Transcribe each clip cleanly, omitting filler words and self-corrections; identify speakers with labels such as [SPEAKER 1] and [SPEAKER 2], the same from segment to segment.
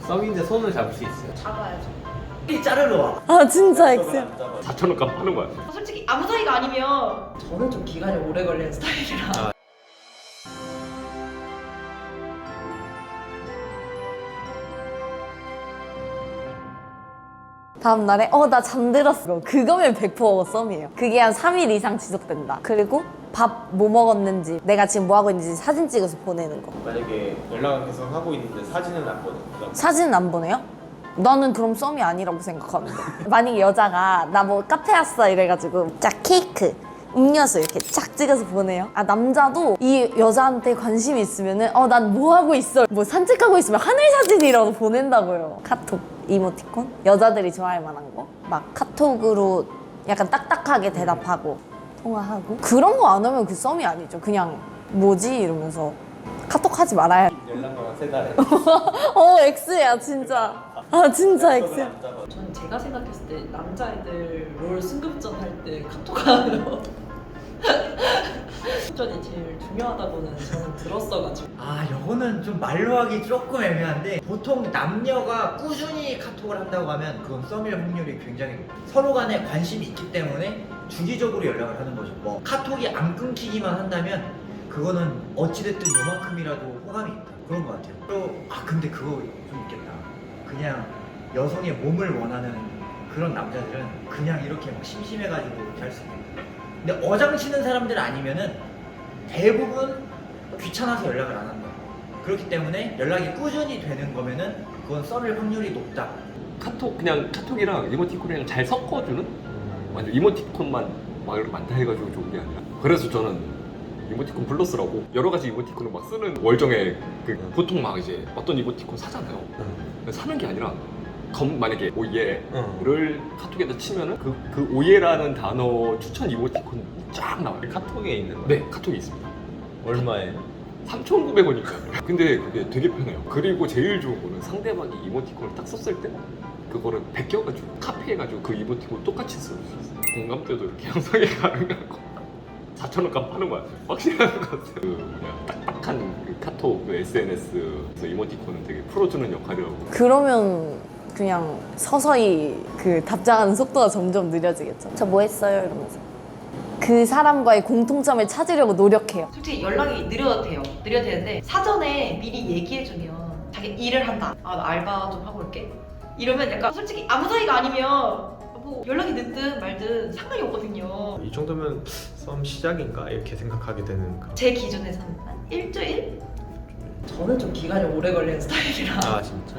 [SPEAKER 1] 썸인데 손을 잡을 수 있어요.
[SPEAKER 2] 잡아야죠.
[SPEAKER 3] 이 자르러 와.
[SPEAKER 4] 아 진짜 엑셀.
[SPEAKER 1] 4,000원 값 파는 거야.
[SPEAKER 2] 솔직히 아무 사이가 아니면 저는 좀 기간이 오래 걸리는 스타일이라.
[SPEAKER 1] 아.
[SPEAKER 4] 다음 날에 나 잠들었어. 그거면 100% 썸이에요. 그게 한 3일 이상 지속된다. 그리고 밥 뭐 먹었는지, 내가 지금 뭐 하고 있는지 사진 찍어서 보내는 거.
[SPEAKER 1] 만약에 연락을 계속 하고 있는데 사진은 안 보내.
[SPEAKER 4] 사진 안 보내요? 나는 그럼 썸이 아니라고 생각하는데. 만약에 여자가 나 뭐 카페 왔어 이래가지고 쫙 케이크, 음료수 이렇게 쫙 찍어서 보내요. 아 남자도 이 여자한테 관심이 있으면은 난 뭐 하고 있어, 뭐 산책하고 있으면 하늘 사진이라도 보낸다고요. 카톡, 이모티콘, 여자들이 좋아할 만한 거 막 카톡으로 약간 딱딱하게 대답하고 통화하고 그런 거 안 하면 그 썸이 아니죠. 그냥 뭐지 이러면서 카톡 하지 말아야.
[SPEAKER 1] 연락만 3달에.
[SPEAKER 4] X야 진짜. 아 진짜 X야.
[SPEAKER 2] 저는 제가 생각했을 때 남자애들 롤 승급전 할 때 카톡하는 거 승급전이 제일 중요하다고는 저는 들었어가지고.
[SPEAKER 3] 아, 요거는 좀 말로 하기 조금 애매한데 보통 남녀가 꾸준히 카톡을 한다고 하면 그건 썸일 확률이 굉장히 높아요. 서로 간에 관심이 있기 때문에 주기적으로 연락을 하는 거죠. 뭐 카톡이 안 끊기기만 한다면 그거는 어찌됐든 요만큼이라도 호감이 있다, 그런 것 같아요. 또 근데 그거 좀 있겠다. 그냥 여성의 몸을 원하는 그런 남자들은 그냥 이렇게 막 심심해가지고 이렇게 할 수 있는. 근데 어장치는 사람들 아니면은 대부분 귀찮아서 연락을 안 한다. 그렇기 때문에 연락이 꾸준히 되는 거면은 그건 썸일 확률이 높다.
[SPEAKER 5] 카톡 그냥 카톡이랑 이모티콘이랑 잘 섞어주는? 완전 이모티콘만 막 이렇게 많다 해가지고 좋은 게 아니라. 그래서 저는 이모티콘 플러스라고 여러 가지 이모티콘을 막 쓰는 월정에 보통 막 이제 어떤 이모티콘 사잖아요. 사는 게 아니라 만약에 오예를 카톡에다 치면은 그 오예라는 단어 추천 이모티콘 쫙 나와요.
[SPEAKER 1] 카톡에 있는데
[SPEAKER 5] 네, 카톡이 있습니다.
[SPEAKER 1] 얼마예요?
[SPEAKER 5] 3,900원이니까요. 근데 그게 되게 편해요. 그리고 제일 좋은 거는 상대방이 이모티콘을 딱 썼을 때 그거를 베껴가지고 카피해가지고 그 이모티콘 똑같이 쓸 수 있어요. 공감대도 이렇게 형성이 가능하고 4,000원 값 파는 거야. 확실한 것 같아요. 그냥 딱딱한 그 카톡 그 SNS에서 이모티콘은 되게 풀어주는 역할이라고.
[SPEAKER 4] 그러면 그냥 서서히 그 답장하는 속도가 점점 느려지겠죠. 저 뭐 했어요? 이러면서 그 사람과의 공통점을 찾으려고 노력해요.
[SPEAKER 2] 솔직히 연락이 느려도 돼요. 느려도 되는데 사전에 미리 얘기해주면 자기 일을 한다. 나 알바 좀 하고 올게. 이러면 약간 솔직히 아무 사이가 아니면 뭐 연락이 늦든 말든 상관이 없거든요.
[SPEAKER 1] 이 정도면 썸 시작인가 이렇게 생각하게 되는 그런.
[SPEAKER 2] 제 기준에서는 한 일주일? 저는 좀 기간이 오래 걸리는 스타일이라.
[SPEAKER 1] 아 진짜?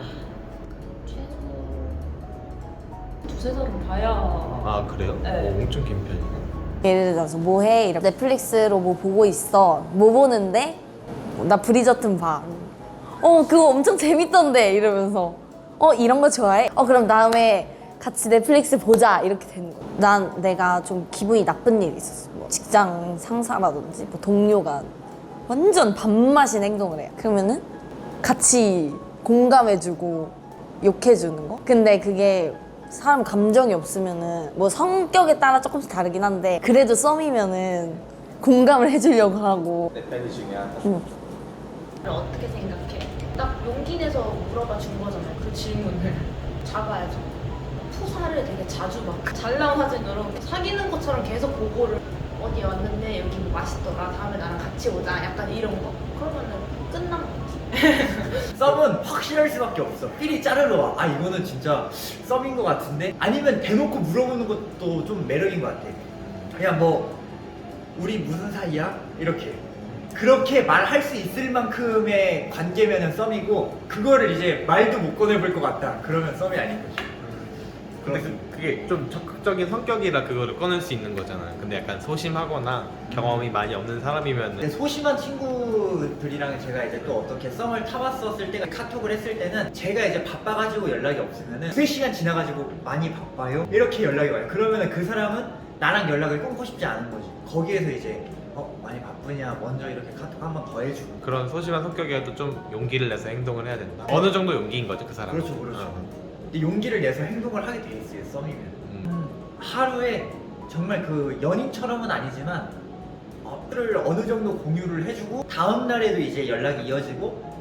[SPEAKER 2] 두세 달은 봐야.
[SPEAKER 1] 아 그래요?
[SPEAKER 2] 네.
[SPEAKER 1] 엄청 긴 편이네.
[SPEAKER 4] 예를 들어서 뭐 해? 이러 넷플릭스로 뭐 보고 있어. 뭐 보는데? 나 브리저튼 봐. 그거 엄청 재밌던데 이러면서 이런 거 좋아해? 그럼 다음에 같이 넷플릭스 보자 이렇게 되는 거야. 난 내가 좀 기분이 나쁜 일이 있었어. 뭐 직장 상사라든지 뭐 동료가 완전 밥맛인 행동을 해요. 그러면은 같이 공감해주고 욕해주는 거? 근데 그게 사람 감정이 없으면은 뭐 성격에 따라 조금씩 다르긴 한데 그래도 썸이면은 공감을 해주려고 하고.
[SPEAKER 1] 내 편이 중요하다.
[SPEAKER 2] 어떻게 생각해? 딱 용기 내서 물어봐 준 거잖아요. 그 질문을. 잡아야죠. 푸사를 되게 자주 막 잘 나온 사진으로 사귀는 것처럼 계속 보고를 어디 왔는데 여기 뭐 맛있더라. 다음에 나랑 같이 오자. 약간 이런 거. 그러면은 끝난 거지.
[SPEAKER 3] 썸은 확실할 수밖에 없어. 삘이 자르러 와. 이거는 진짜 썸인 것 같은데? 아니면 대놓고 물어보는 것도 좀 매력인 것 같아. 그냥 뭐 우리 무슨 사이야? 그렇게 말할 수 있을 만큼의 관계면은 썸이고, 그거를 이제 말도 못 꺼내볼 것 같다, 그러면 썸이 아닌 거지.
[SPEAKER 1] 근데 그게 좀 적극적인 성격이라 그거를 꺼낼 수 있는 거잖아요. 근데 약간 소심하거나 경험이 많이 없는 사람이면
[SPEAKER 3] 근데 소심한 친구들이랑 제가 이제 또 어떻게 썸을 타봤었을 때가, 카톡을 했을 때는 제가 이제 바빠가지고 연락이 없으면은 3시간 지나가지고 많이 바빠요? 이렇게 연락이 와요. 그러면은 그 사람은 나랑 연락을 끊고 싶지 않은 거지. 거기에서 이제 많이 바쁘냐, 먼저 이렇게 카톡 한 번 더 해주고.
[SPEAKER 1] 그런 소심한 성격이라도 좀 용기를 내서 행동을 해야 된다. 어느 정도 용기인 거죠, 그 사람은.
[SPEAKER 3] 그렇죠. 근데 용기를 내서 행동을 하게 돼 있어요, 썸이면. 하루에 정말 그 연인처럼은 아니지만 를 어느 정도 공유를 해주고 다음 날에도 이제 연락이 이어지고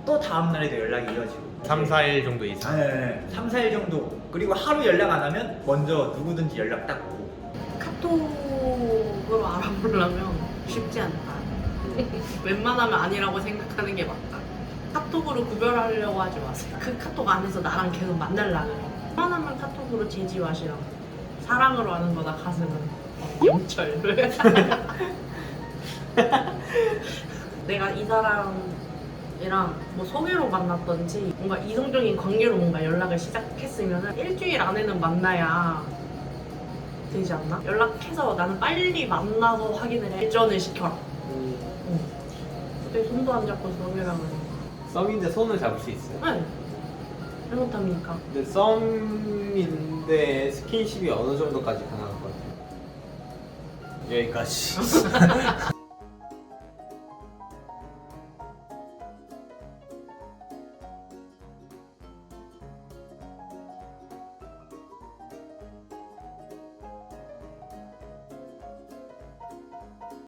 [SPEAKER 3] 또 다음 날에도 연락이 이어지고
[SPEAKER 1] 3, 4일 정도 이상.
[SPEAKER 3] 네, 3, 4일 정도. 그리고 하루 연락 안 하면 먼저 누구든지 연락 딱 오고.
[SPEAKER 6] 카톡으로 알아보려면 쉽지 않다. 웬만하면 아니라고 생각하는 게 맞다. 카톡으로 구별하려고 하지 마세요. 그 카톡 안에서 나랑 계속 만날라 그래. 웬만하면 카톡으로 제지 마시라고. 사랑으로 하는 거다 가슴은. 영철. 내가 이 사람이랑 뭐 소개로 만났던지 뭔가 이성적인 관계로 뭔가 연락을 시작했으면 일주일 안에는 만나야 되지 않나? 연락해서 나는 빨리 만나서 확인을 해. 일전을 시켜라. 응. 근데 손도 안 잡고 썸이라고 해.
[SPEAKER 1] 썸인데 손을 잡을 수 있어요.
[SPEAKER 6] 네. 잘못합니까?
[SPEAKER 1] 근데 썸인데 스킨십이 어느 정도까지 가능할 것 같아요? 여기까지.